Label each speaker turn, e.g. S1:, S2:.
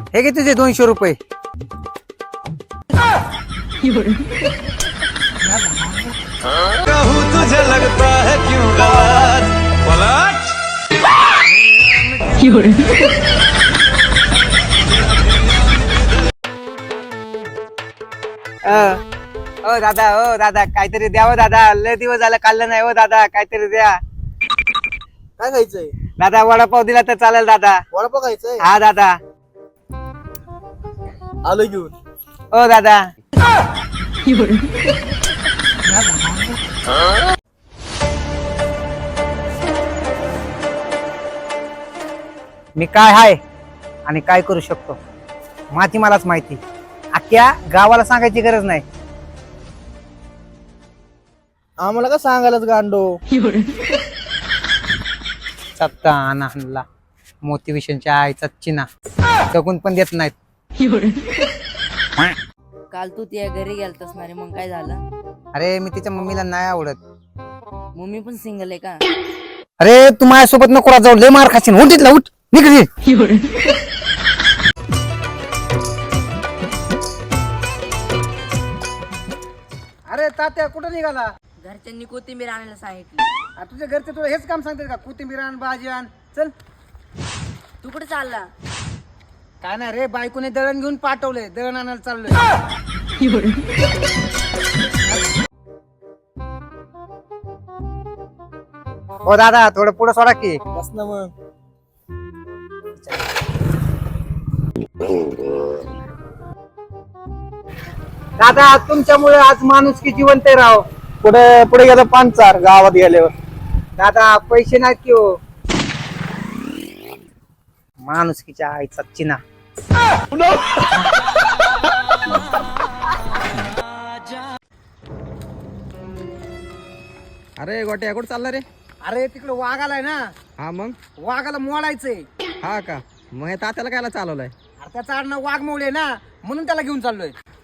S1: हे घे तुझे 200 रुपये.
S2: कहूँ तुझे लगता है क्यों गलत पलट
S1: ओ दादा काहीतरी द्या हो दादा. लय दिवस झालं खाल्लं नाही हो दादा. काहीतरी द्या
S3: काय खायचंय?
S1: दादा. वडापाव दिला तर चालेल दादा.
S3: वडापाव खायचंय?
S1: हा दादा.
S3: आलो घेऊन.
S1: ओ दादा. मी काय आहे आणि काय करू शकतो माती मलाच माहिती. अख्ख्या गावाला सांगायची गरज नाही.
S3: आम्हाला का सांगायलाच गांडो?
S1: सत्ता आणला मोटिवेशनच्या आईचा चिना जगून पण देत नाहीत.
S4: काल तू त्या घरी गेलतास ना रे, मग काय झालं?
S1: अरे मी तिच्या मम्मीला नाही आवडत.
S4: मम्मी पण सिंगल आहे का?
S1: अरे तू माझ्यासोबत नको जाऊ. लय मार खाशील. उठ तिथला उठ. निघ. अरे तात्या कुठं निघाला?
S4: घरच्यांनी कोथिंबीर आणायला सांगितली.
S1: तुझ्या घरचे तुला हेच काम सांगतात का? कोथिंबीर आण, भाजी आण. चल.
S4: तू कुठे चालला?
S1: काय नाही रे, बायकोने दळण घेऊन पाठवलंय. दळण आणायला चाललोय. हो दादा थोडं पुढे सोडा की.
S3: बस ना मग.
S1: दादा तुमच्यामुळे आज माणूस की जिवंत आहे राव.
S3: पुढे पुढे गेलं पांचार गावात गेल्यावर.
S1: दादा पैसे नाहीत की हो. माणुसकीच्या आईचा चिना.
S5: अरे गोट्या कुठं चालला रे?
S1: अरे तिकडे वाघ आलाय ना.
S5: हा मग.
S1: वाघाला मोडायचंय.
S5: हा का? मग हे तात्याला कायला चालवलंय?
S1: अरे त्याचा आडनाव वाघ मोळे ना, म्हणून त्याला घेऊन चाललोय.